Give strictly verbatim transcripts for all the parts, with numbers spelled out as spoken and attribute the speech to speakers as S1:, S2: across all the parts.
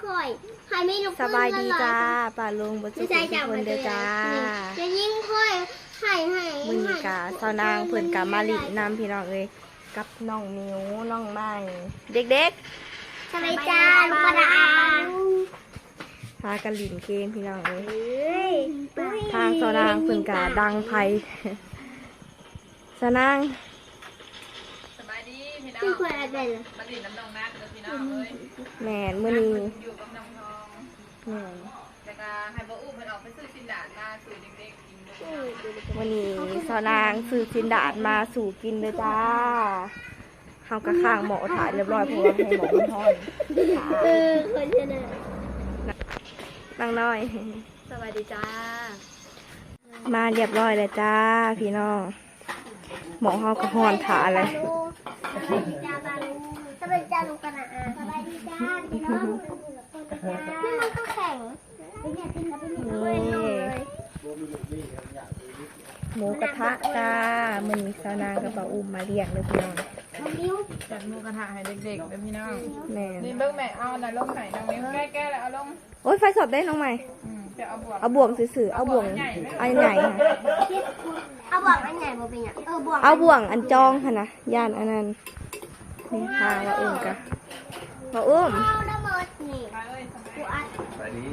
S1: ข่อยให้ไม่ลุก
S2: สบายดีจ้าป่าลุงบุตรทุกคนเด้อจ้า
S1: จะยิ่งค่อยให้ให้
S2: มื้อนี้กะสาวนางเพิ่นกะมาลินำพี่น้องเอ้ยกับน้องมิวน้องไม้เด็กๆ
S1: สบายจ้าลูกกระดาษ
S2: พากันลินเกมพี่น้องเอ้ยทางสาวนางเพิ่นกะดังไผสาวนาง
S3: สบายดีพี่น้อง
S1: ที่ควรอะไรล่ะ
S3: มาดินน้ำนองนัดเด้อพี่น้องเอ้ย
S2: แม่นมื้อนี้
S3: อยู่กับน้องทอง
S2: แม่น
S3: แล้วก็ให้บ่อุ้มเพิ่นออกไปซื้อสินดาดมาสู่เด็กๆกินเด้อ
S2: วันนี้สาวนางซื้อจินดาดมาสู่กินเลยจ้าเฮากะข้างหมอถ่ายเรียบร้อยเพราะว่าให้หมอมันทอด
S1: เออคนชนะ
S2: นั่งน้อย
S3: สบายดีจ้า
S2: มาเรียบร้อยเลยจ้าพี่น้องหมอเฮากะฮ้อนถ่าเลย
S1: สบายดีจ้าบาลูสบายดีจ้าลูกกระดาษสบายดีจ้าพี่น้องนี่มันก็แข็งไม่อยากกินแล้วไม่อยากกินเลย
S2: หมูกระทะจ้ามื้อนี้สาวนางกับป้าอุ้มมาเลี้ยงเลยพี่น้อง
S1: น้องนิ้ว
S3: จัดหมูกระทะให้เด็กๆเด้อพี่น้อง
S2: แม่น
S3: นี่เบิ่งแม่เอาน่ะลงให้น้องนิ้วแก้ๆแล้วเอาลง
S2: โอ๊ยไฟสดได้น้องใหม่
S3: อืมจะเอาบวก
S2: เอาบ่วงซื่อๆเอาบ่วงอันใหญ่ค่ะ
S1: เอาบ่วงอันไหนบ่เป็นอย่างเออบ่วง
S2: เอาบ่วงอันจองค่ะนะย่านอันนั้นนี่ค่ะป้าอุ้มกะป้าอุ้ม
S1: เอาระเบิดนี่
S3: ไปเอ้ยสบาย
S1: กูอัด
S4: ไปดี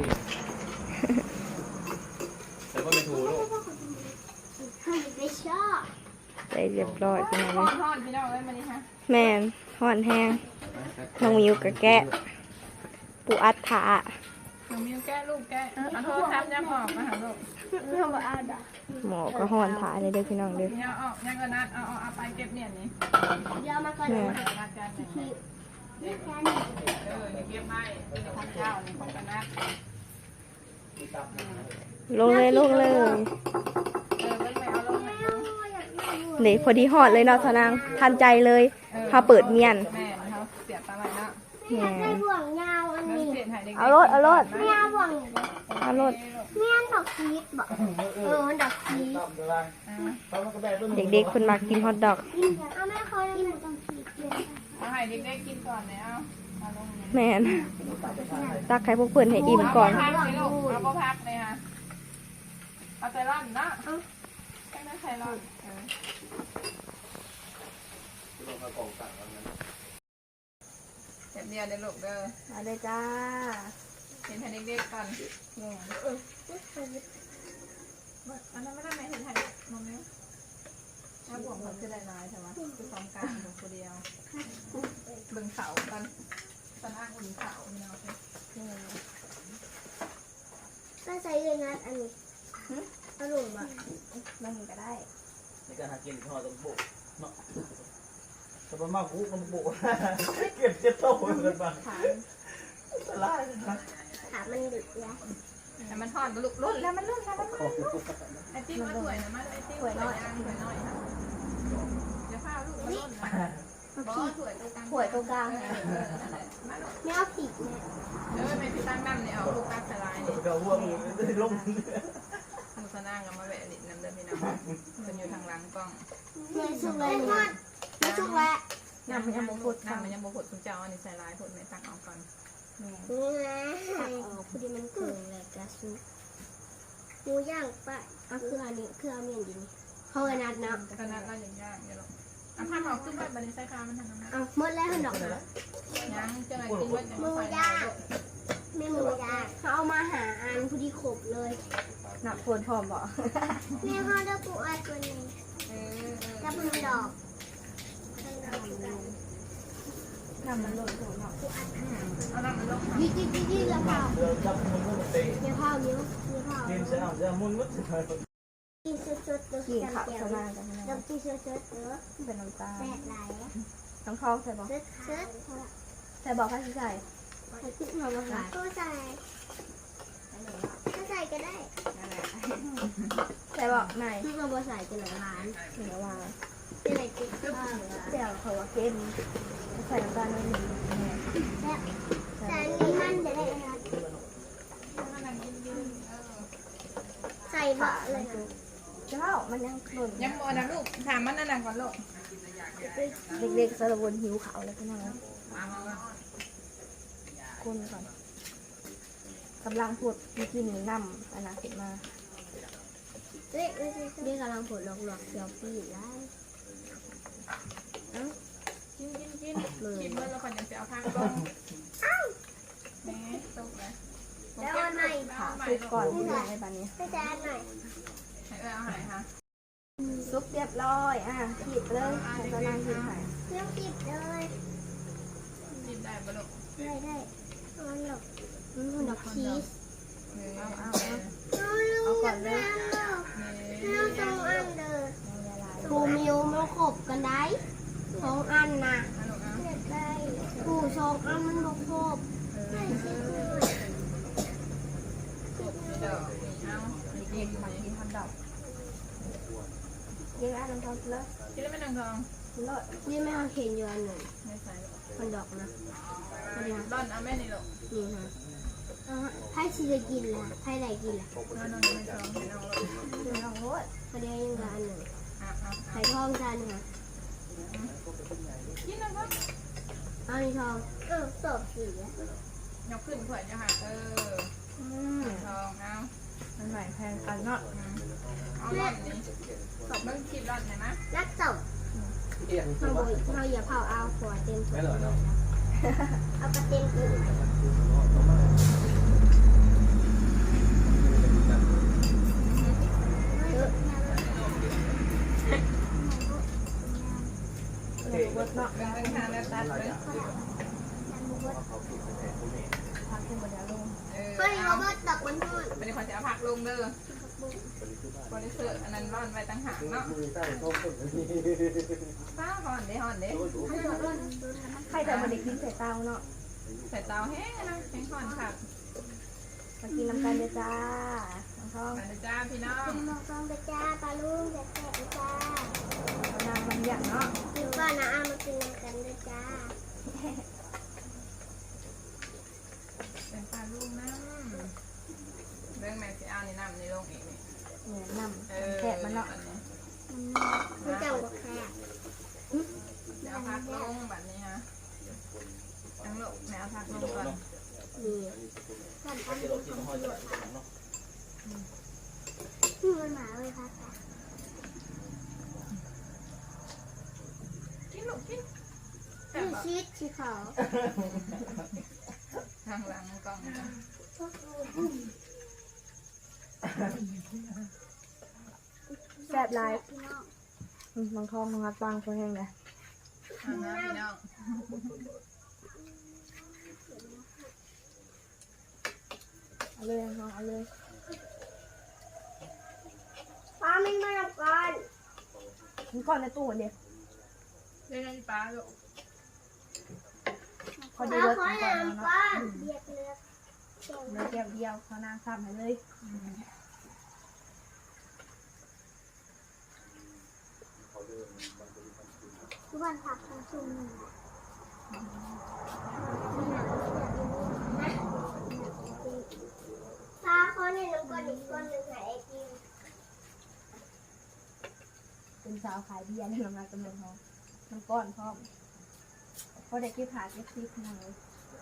S4: แล้วก็ไม่ถูกลูก
S1: ไม่ชอบ
S2: ไปเรียบร้อยพี่น้อง
S3: ทอดทอดพี่น้องเอ้ยมานี่ฮะ
S2: แม่นห่อนแห้งน้องมิวกะแกะปูอัดถา
S3: น้องมิ้วแก้ลูกแก้เออเอาโทรศัพท์ยังออกมาหาลูก
S1: ไม่เอาบ่อัดอ่ะ
S2: หมอก็ห่อนถาเลยเด้อพี่น้องเด้อ
S3: ยังออกยังก็นัดเอาเอาเอาไปเก็บเนี่ยนี่
S1: เดี๋ยวมาก่อน
S2: แม่
S3: เดี๋ยวนัดกันเนี่ย
S1: นี่แค่นี้
S3: เออนี่เก็บไว้เป็นของเจ้านี่ของกันนัด
S2: ลงเลยลงเลย
S3: เออเบิ่งไปเอาลงให้ดู
S2: นี่พอดีหอดเลยเนาะสนางทันใจเลยพาเปิดเมียน
S3: แม่เขาเสียตาไหลเนาะ
S2: แห
S1: อยากได้
S2: ม
S1: บ่วงยาวอัน
S3: เงิน
S1: นี้
S3: เสียหายเด็ก
S2: เอารถเอารถ
S1: ไม่เอาบ่วงอีกเลย
S2: เอารถ
S1: เมียนดอกชีสบ่เออมันดอกชีส
S2: เด็กๆคนมากินฮอทดอก
S1: กินเอาแม่เขากินดอกชีสเยอะ
S3: เอาให้เด็กๆกินก่อนเนี่ยเอาเอาลงเนี่ย
S2: แม่นตักไข่พวกเพื่อนให้อิ่มก่อน
S3: เอาพักสิลูกเอาบ่พักเลยฮะเอาใจร้อนนะเอาแค่นั้นใจร้อนเออเห็นเดียวเดี๋ยวลูกเด้อ
S2: มาเลยจ้า
S3: เห็นให้เด็กๆก่อนเนี่ยอันนั้นไม่ได้ไหมเห็นให้มองไหมถ้าบวกมันจะได้ร้ายใช่ไหมคือสองกลางของคนเดียวเบิ่งเสากันตอนอ้างอุ่นเสาเนี่ยเอาไป
S1: ก็ใส่เลยนะอันนี้อร่อยบ่
S2: นั่งก็ได้
S4: ในการหากินทอดต้องโบกเนาะแต่พอมาคุกมันโบกเก็บเจ็บโต้กันบ้างสลายนะ
S1: ขามันดึกแล้ว
S3: แต่มันทอดก็ลุกรุ่นแล้วมันรุ่นแล้วมันรุ่นไอติมมาถ้วยนะมาไอติมถ้วยน้อยถ้วยน้อยค่ะเดี๋ยวข้าวลูกมารุ่นนะบอถ้วยตรงกลาง
S2: ถ้วยตรงกลาง
S3: มาลูก
S1: ไม่เอาผิดแม่
S3: เออไม่พี่ตั้งน้ำเนี่ยเอาลูกตักสลายเนี่ย
S4: ก็ห่วงลง
S3: มุสนางกับมาแหวะลิดน้ำเดินพี่น้องมันอยู่ทางหลังกล้อง
S1: ไม่สุกเลยไม่สุกแล้ว
S2: น้ำมันยังบ่พด
S3: น้ำมันยังบ่ผดคุณเจ้าอันนี้ใส่ลายผดไม่ตักออกก่อน
S1: นี่นะพอดีมันเกินเลยกระซุกหมูย่างปะเอาเครื่องนี้เครื่องเมียนดินเขากระนัดนะ
S3: ตอนนั้นเราอย่างยากเดี๋ยวเราเอาผ้าออกขึ้นไปบันนี้ใส่คามันทำน้ำหนัก
S1: เอาหมดแล้วดอกนะ
S3: ยังเจ้าไหนกินว่าจะ
S1: หมู
S3: มาใส่
S1: ย่างไม่หมูย่างเขาเอามาหาอันพอดีขบเลย
S2: หนักควรพร้อมบ่
S1: แม่เขาได้ปูอัดตัวนี้
S3: เออเออ
S1: กับมือดอก
S2: น้ำมันหล่นหัวเนาะ
S3: เอาน้ำมันลง
S1: ยืดยืดยืดยืดแล้วเผา
S4: เดินจับมันก็เตะ
S1: เดี๋ยวเผาเดี๋ยวเดี๋ยวเผา
S4: ทีมเสียงจะมุนมุด
S1: กินสดๆตัว
S2: กินข้าว
S1: เดีย
S2: สนางกัน
S1: น้ำจิ้มสดๆเออ
S2: เป็นน้ำตาล
S1: แซ่บหลาย
S2: น้องทองใส่บ่
S1: สดสด
S2: ใส่บ่ให้ใส่
S1: ใส่พริกหน่อยนะคะก็ใส่ก็ใส่ก็ได้
S2: ใส่บ่ไหน
S1: พริกเราใส่จะหน่อยหวาน
S2: เหนือว่า
S1: จะไหนกินข้าว
S2: เสี่ยวเขาว่าเค็มใส่น้ำตาลนิดนึง
S1: แซ่บแต่อันนี้มันจะได้อะไรใส่บะเลยนะ
S2: เจ้ามันยังหล่น
S3: ยังบ่นะลูกถามมันนั่นน่ะก่อนลูก
S2: เด็กๆสารวนหิวเขาวแล้วพี่น้องคนก่อนกำลังพูดมีกินหนึ่งน้ำอันนั้นขึ้นมา
S1: เฮ้ยเฮ้ยเรียกกำลังผลหลอกหลอกเซลฟี่ได้เอ้า
S3: กินกินกินกินเมื่อเราคนยังจะเอาผ้าลงแม่ตกเลย
S1: แล้วอันไหน
S2: ค่ะซุปก่อนที่จะให้บานนี้
S1: ไม่จะอันไหน
S3: ให้เออเอาหายค่ะ
S2: ซุปเรียบร้อยอ่ะขีดเลยให้กำลังขีดให้
S1: เรื่องติดเลย
S3: กินได้ปะลูก
S1: ได้ได้เอาหลอกอืมดอกชีส
S3: เอาเอา
S1: เอาลูกก่อนเลยเอาสองอันเด้อปูมิวมันขบกันได้สองอันนะปูสองอันมันบกครบ
S3: เดี๋ยวเอา
S2: เด็กมากินทำดอกเด็กอ่ะน้ำทองเลย
S3: กินแล้วไม่นางทอง
S2: เลด
S1: นี่ไม่เอาเข็นเยอะหนึ่ง
S3: ไม่ใส่
S1: มันดอกนะ
S3: ร่อนเอาแม่นี่ลูก
S1: นี่ฮะไพ่ชีจะกินละไพ่ไหนกินละ
S3: นอนนอนไม่ทองไม่เอาลูก
S2: คือน้องรส
S1: ประเดี๋ยวยังละอันหนึ่ง
S3: อ่ะเอา
S1: ไข่ทองจานค่ะ
S3: กินแล้วก็
S1: เอาในทองเออสอบสีอะ
S3: ยกขึ้นขวดจะหักเออ
S2: อืม
S3: ทองเอา
S2: มันใหม่แพงกันเนาะ
S3: เอาร่อนนี้ตบเบิ้งคลิปร่อนเห็นไหม
S1: รักสอบ
S4: เอียง
S1: เราบุยเราอย่าเผาเอาหัวเต็ม
S4: ไม่หรอเนาะ
S1: เอากระเต็มกิน
S2: เด็กรสเนาะ
S3: เบิ้งเบิ้งทางแล้วตัดเลย
S2: พักขึ้นมาเดี๋ยวลง
S3: เออ
S1: เฮ้ย
S3: เอา
S1: เราเบิดดอกมันทอด
S3: ไม่ได้ขอจะเอาผักลงเด้อ บริสุทธิ์อันนั้นร่อนไว้ต่างหากเนาะ
S4: มือใต้ท้องคนนี้
S3: ป้าห่อนเด้ห่อนเด้
S2: ใครแต่มาเด็กกินใส่เตาเนาะ
S3: ใส่เตาแห้งนะแห้งห่อนค่ะ
S2: มากินน้ำกันเด้อจ้าน้องทอง
S3: มาเลยจ้าพี่น้อง
S1: เป็นมองกล้องไปจ้าปลาลุงจะแตะจ้า
S2: เอาน้ำมันอย่างเนาะ
S1: กินก่อนนะเอามากินกันด้วยจ้า
S3: เป็นปลาลูกน้ำเรื่องแม่สิเอานี่น้ำในลงอีกนี่
S2: เนี่ยน้
S3: เออ
S2: ำแกะมันเนาะ
S1: มันจะบอกแค่
S3: เดี๋ยวเอาผักลงแบบนี้ฮะทั้งลูกแม่เอาผักลงก่อน
S1: นี่ก่อนทำ
S4: ที่เราที่ห้อยจะเนาะ
S1: มันหมาเลยค่ะ
S3: กินลูกกินแต่
S1: นี่
S3: แบบ
S1: ชีสชีขาว
S3: ทางหลังกล่องนะ
S2: แซ่บหลายอืมน้องทองน้องรักตังคนแห้งเลย
S3: ทางนะพี่น้อง
S2: เอาเลยน้องเอาเลย
S1: ปลาไม่มาแล้วก่อน
S2: มันก่อนในตู้เดียว
S3: เล่นปลาลูก
S2: พอ
S1: ป
S2: ดี
S1: ลาร
S2: ถ
S1: ขอ
S2: ก่อน
S1: น้ำ
S2: เนาะ
S1: ก่อนเบียดเลือด
S2: เลยแก้วเดียวเขานางซ้ำให้เลย
S1: ทุกวันผักทั้งชุมปลาขอในน้ำก่อนอีกก้อนหนึ่งหายไอติม
S2: เป็นสาวขายเบียร์ในโรงงานกำลังทองน้ำก้อนพร้อมพอเด็กที่ผ่าเก็บซีขนาดเลย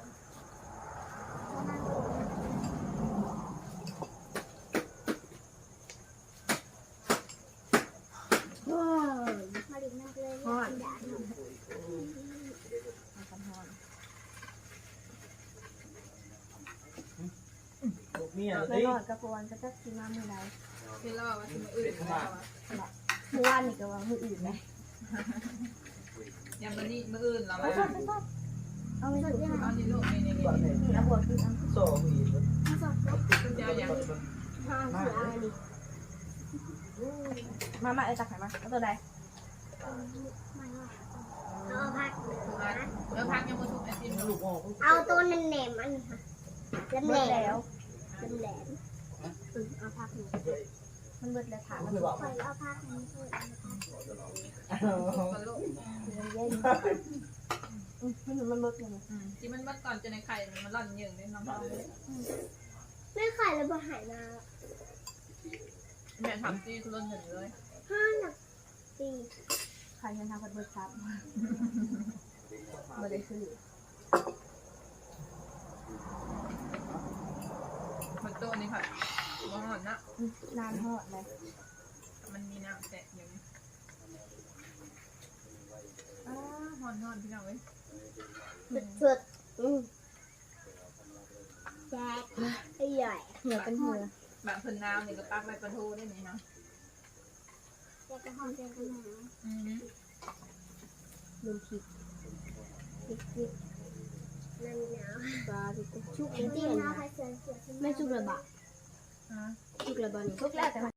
S1: ว้าวมาดิบน้ำเลยฮอด
S2: เอาคำพร
S4: ลูกเมีย
S2: ไม่
S4: ดิ
S2: รอดกระปวนก็จะกินมาเมื่อไร
S3: พี่ล่อว่าจะมาอื่นแล้วอะ
S2: เมื่อวานนี่ก็ว่ามืออื่นไหม
S3: ยังมันนี่มืออื่นเหรอ
S2: เอา
S3: วะ
S2: ชอบชอบเอาไม่ถูก
S3: เอานี่ลูกนี่นี่นี่
S2: นี่เอาบวกกินเอา
S4: โซ่อีก
S3: คุณเจ้าอย่าง
S1: ห้าคืออะไรดิ
S2: มามาเอ้ตักไหนมาเอาตัวใด
S1: เอาผัก
S3: เดี๋ยวพักยังมาทุกไอติม
S4: ลู
S3: ลู
S4: ก
S3: ก
S4: พ่อ
S1: เอาตัวแหนมๆอันนี้ค่ะแหลม
S2: เบิด
S1: แหล
S2: แล้ว
S1: มแหลมเอาผักหนึ่ง
S2: มันเบิดแล้วถาม
S4: ก็
S2: มัน
S4: คือบอก
S1: คอยเอาผักนี้ด้วย
S3: กันลูก
S2: เย็นเย็นอืมมันมันเบิดเลย
S3: ที่มันมัดก่อนจะในไข่มันร่อนเยิงเลยน้องๆเลย
S1: ไม่ไข่เลยบ่หายมา
S3: แม่ทำซีทุรนหนึ่งเลย
S1: ห้าหนักสี่
S2: ใครยันทำกันเบิดซับบ่ได้ซื้อ
S3: ตัวนี้ค่ะบ่หอนนะ
S2: นานหอดเลย
S3: มันมีน้ำแตะอยู่อ้าหอนหอนพี่น้องเอ้ย
S1: สุดๆอืมแจ๊กไอ้ใหญ่
S2: เหนือเป็นเหนือบ
S3: างคนน้ำนี่ก็ตักใบปลาทูได้ไหมเนาะ
S1: แจ๊กกระหองแจ๊กกระหอง
S3: อืม
S2: ลืมผิด
S1: พริกพริกน้ำหนาว
S2: ปลาติดชุก
S1: จริ
S2: เตี้
S1: ง
S2: ย
S1: ๆ
S2: นะ
S1: นะเสือเสือ
S2: ไม่ชุกระบะ
S3: อ่า
S2: ชุกระบะนี่
S3: ทุกแล้วแต่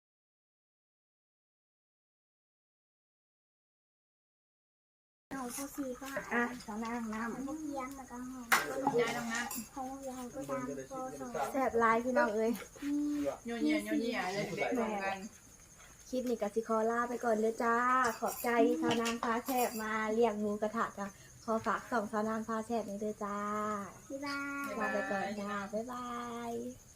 S1: เอาข้าวซีก็
S2: อ่ะสองนางน้
S1: พวกเยี่ยมแล้วก็หอม
S3: ยายตรงนั้น
S1: ใครต้องเยี่ยมก็ตามโซ่สอง
S2: ำแซ่บหลายพี่น้องเอ้ย
S3: โยนเยี่ยโยนเยี่ยเลยเด็กๆรวมกัน
S2: คลิปนี้กับสิคอลาไปก่อนเลยจ้า ขอบใจสาวนางฟ้าแซ่บมาเลี้ยงหมูกระทะจ้ะขอฝากส่องสาวนางฟ้าแซ่บนี้ด้วยจ้า
S1: บ๊ายบาย
S2: ลาไปก่อนจ้า บ๊ายบาย